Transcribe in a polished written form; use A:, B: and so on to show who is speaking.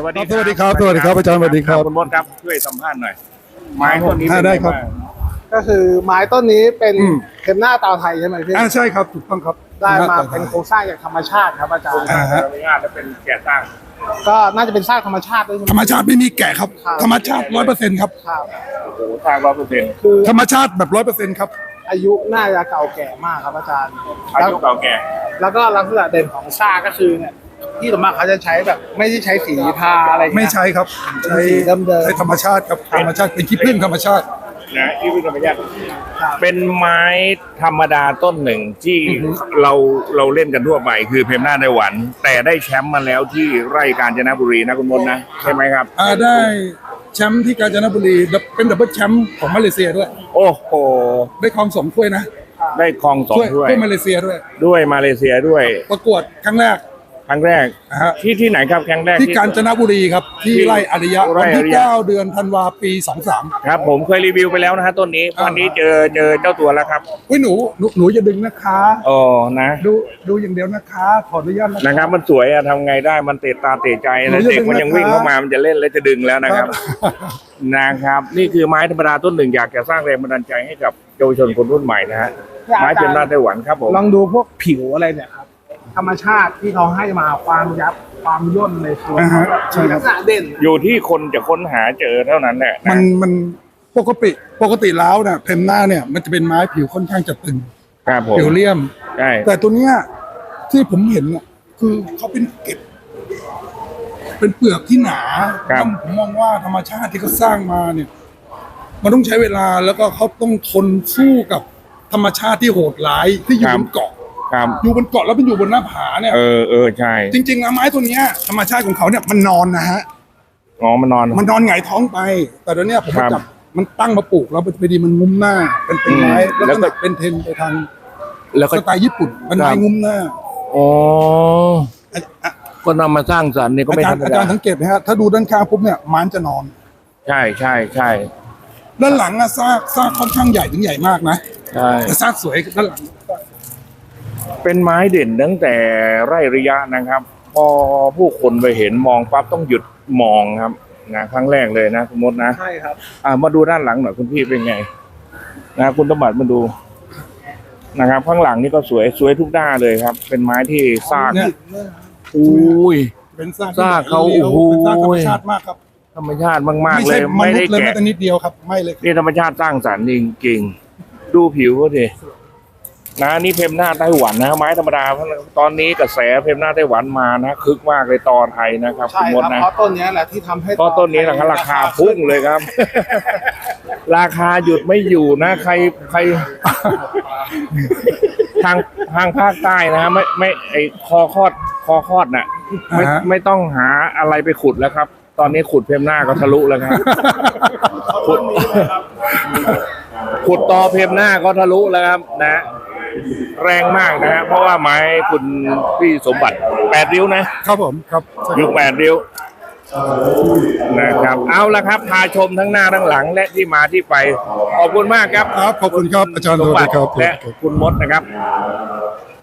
A: วัสดี
B: สวัสดีครับสวัสดีครับอาจารย์สวัสดีครับ
A: คุณมดครับช่วยสัมภาษณ์หน่อยไม้ต้นนี้
B: ได้ครับ
C: ก็คือไม้ต้นนี้เป็นเข็มหน้าตาวไทยใช่ไหมพี่
B: ใช่ครับถูกต้องครับ
C: ได้มาเป็นโครงสร้างจากธรรมชาติครับอาจารย์
A: อนุญาตและเป็นแกะสร้าง
C: ก็น่าจะเป็นสร้างธรรมชาติด้วยใช่ไหม
B: ธรรมชาติไม่มีแกะครับ
C: ครับ
B: ธรรมชาติ100%ครับ
C: ครับ
A: โอ้โหสร้าง100%
C: คือ
B: ธรรมชาติแบบ100%ครับ
C: อายุน่าจะเก่าแก่มากครับอาจารย์
A: อายุเก่าแก่
C: แล้วก็ลักษณะเด่นของซากก็คือเนี่ยที่ส่วนมากเขาจะใช้แบบไม่ได้ใช้สีทาอะไรอย่าง
B: ไม่
C: เงี้ย
B: ใช่ครับใช้
C: สีเดิมๆ
B: ใช้ธรรมชาติครับธรรมชาติเป็นขี้ผึ้งธรรมชาติ
A: นะที่พิธรรมญาติ
C: ครับ
A: เป็นไม้ธรรมดาต้นหนึ่งที่เราเล่นกันทั่วไปคือเพมหน้าไต้หวัน แต่ได้แชมป์มาแล้วที่ไร่กาญจนบุรีนะคุณมดนะใช่ไหมครับ
B: ได้แชมป์ที่กาญจนบุรีเป็นดับเบิลแชมป์ของมาเลเซียด้วย
A: โอ้โห
B: ได้ครอง2 ถ้วยนะ
A: ได้ครองสองถ้วย
B: ถ้วยมาเลเซียด้วย
A: ด้วยมาเลเซียด้วย
B: ประกวดครั้งแรก
A: ครั้งแรก
B: นะฮะ
A: ที่ไหนครับครั้งแรก
B: ที่กาญจนบุรีครับที่ไร่อริยะ
A: ไร่
B: วัน
A: อ
B: ที่
A: ริยะ
B: 9 เดือนธันวาปี 23
A: ครับผมเคยรีวิวไปแล้วนะฮะต้นนี้วันนี้เจอเจ้าตัวแล้วครับ
B: อุ้ยหนูจะดึงนะคะ
A: อ๋อนะ
B: ดูอย่างเดียวนะคะ ขออนุญาตนะ
A: นะครับมันสวยอะทำไงได้มันเตะตาเตะใจ
B: หนู
A: นะ
B: จะ
A: เด็กมันยังวิ่งเข้ามามันจะเล่นแล้วจะดึงแล้วนะครับ นะครับ นี่คือไม้ธรรมดาต้นหนึ่งอยากจะสร้างแรงบันดาลใจให้กับเยาวชนคนรุ่นใหม่นะฮะไม้เป็นหน้าไต้หวันครับผม
C: ลองดูพวกผิวอะไรเนี่ยครับธรรมชาติที่เขาให้มาความยับความย่นในตัว
B: อ่าฮะใช่
C: มี
B: ครั
C: ลั
B: บ
C: กษณะเด่น
A: อยู่ที่คนจะค้นหาเจอเท่านั้นแหละนะ
B: มันปกติแล้วเนี่ยเพนหน้าเนี่ยมันจะเป็นไม้ผิวค่อนข้างจะตึง
A: ครับผม
B: ผิวเลี่ยม
A: ใช่
B: แต่ตัวเนี้ยที่ผมเห็นเนี่ยคือเขาเป็นเกล็ดเป็นเปลือกที่หนาผมมองว่าธรรมชาติที่เขาสร้างมาเนี่ย มันต้องใช้เวลาแล้วก็เขาต้องทนสู้กับธรรมชาติที่โหดร้ายที่อยู่บนเกาะ
A: ครับ
B: อยู่บนเกาะแล้วเป็นอยู่บนหน้าผาเนี่ย
A: เออใช่
B: จริงๆแล้วไม้ตัวเนี้ยธรรมชาติของเขาเนี่ยมันนอนนะฮะ
A: อ๋อมันนอน
B: มันนอนหงายท้องไป แต่เดี๋ยวเนี้ยผม
A: ครั
B: มา
A: บ
B: จับมันตั้งมาปลูกแล้วพอดีมันงุ้มหน้า เป็นไม้
A: อืม
B: แล้ว
A: แล้วก็
B: ก็เป็นเทรนด์ไปทาง
A: แล้วก็
B: สไตล์ญี่ปุ่นเป็นไม้งุ้มหน้า
A: อ๋อ
B: อ่ะอ่ะ
A: ก็นำมาสร้างสรรค์นี่ก็
B: อา
A: ไม่
B: จาร
A: ธร
B: ย์
A: รม
B: อาจา
A: ดาร
B: ย์สังเกตไหมฮะถ้าดูด้านข้างปุ๊บเนี่ยมันจะนอน
A: ใช่ใช่ใช่
B: ด้านหลังอะซากค่อนข้างใหญ่ถึงใหญ่มากนะ
A: ใช่
B: แต่ซากสวยด้านหลัง
A: เป็นไม้เด่นตั้งแต่ไร่ระยะนะครับ พอผู้คนไปเห็นมองปั๊บต้องหยุดมองครับนะครั้งแรกเลยนะคุณมดนะ
C: ใช่ครับ
A: มาดูด้านหลังหน่อยคุณพี่เป็นไงนะคุณตบัดมาดูนะครับ ข้างหลังนี่ก็สวยทุกด้านเลยครับ เป็นไม้ที่ซาก
B: เนี่ย
A: อุ้ย
B: เป็นซาก
A: ซากเขา
B: ลี้ยว
A: โอ้โห
B: เป็นซากธรรมชาติมากครับ
A: ธรรมชาติมาก
B: ไม่
A: ๆเล
B: ใช่
A: ย
B: ม
A: ไม่
B: นุษ
A: ได้
B: ย์เลยแม้
A: แกะ
B: แต่นิดเดียวครับไม่เลย
A: นี่ธรรมชาติสร้างสรรค์จริงๆดูผิวก็ดินะนี่เพมหน้าไต้หวันนะไม้ธรรมดาตอนนี้กระแสเพมหน้าไต้หวันมานะคึกมากเลยตอไทยนะครับ
C: ใช่
A: คุณมด
C: ครับ
A: นะ
C: เพราะต้นเนี้ยแหละที่ทำให้
A: ก็ต้นนี้แหละครับราคาพุ่งเลยครับ ราคาหยุดไม่อยู่นะ ใครทางภาคใต้นะฮะไม่ไอคอคอดน่ะไม่ต้องหาอะไรไปขุดแล้วครับ ตอนนี้ขุดเพมหน้าก็ทะลุแล้วครับขุดตอเพมหน้าก็ทะลุแล้วครับนะ แรงมากนะฮะเพราะว่าไม้คุณพี่สมบัติ8 ริ้วนะครับ
B: ผมครับใช่
A: ยุค8 ริ้วนะครับเอาละครับพาชมทั้งหน้าทั้งหลังและที่มาที่ไปขอบคุณมากครับ
B: ครับขอบคุณครับอาจารย์
A: ส
B: ส
A: ม
B: วัส
A: บั
B: ดี
A: ติ
B: ครับ
A: และคุณมดนะครับ